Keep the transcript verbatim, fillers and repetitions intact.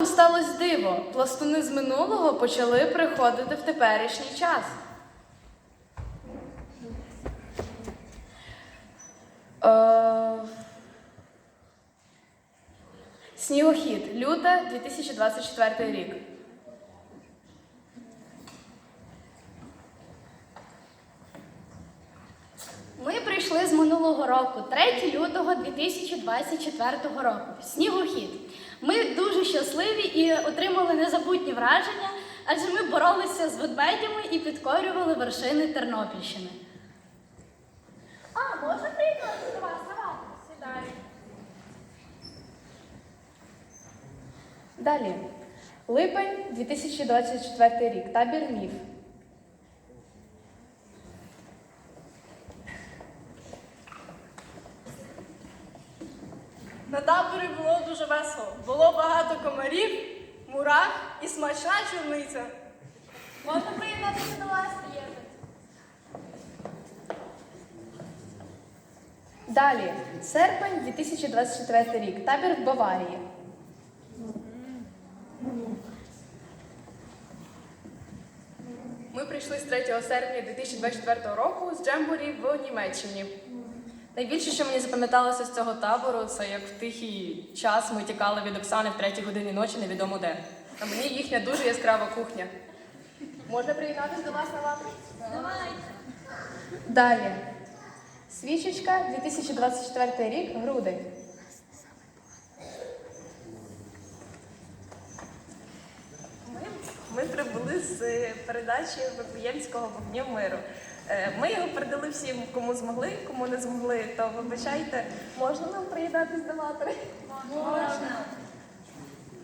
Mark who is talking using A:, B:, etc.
A: сталося диво. Пластуни з минулого почали приходити в теперішній час. Е... Снігохід. Люте, дві тисячі двадцять четвертий рік.
B: Ми прийшли з минулого року, третього лютого дві тисячі двадцять четвертого року. Снігохід. Ми дуже щасливі і отримали незабутні враження, адже ми боролися з ведмедями і підкорювали вершини Тернопільщини. А, можна приєднатися до вас? Давайте, сідай.
A: Далі. Липень, дві тисячі двадцять четвертий рік. Табір Міф.
C: На таборі було дуже весело. Було багато комарів, мурах і смачна чорниця.
B: Можна приєднатися до вас? Приєднатися.
A: Далі. Серпень, дві тисячі двадцять четвертий рік. Табір в Баварії.
D: Ми прийшли з третього серпня дві тисячі двадцять четвертого року з Джембурі в Німеччині. Найбільше, що мені запам'яталося з цього табору, це як в тихий час ми тікали від Оксани в третій годині ночі невідомо де. А мені їхня дуже яскрава кухня. Можна приєднатися до вас на лаврі?
A: Далі. Свічечка, дві тисячі двадцять четвертий рік. Грудень.
E: Ми, ми прибули з передачі Вифлеємського вогню миру. Е, Ми його передали всім, кому змогли, кому не змогли, то вибачайте, можна нам приєднатись до матері?
B: Можна.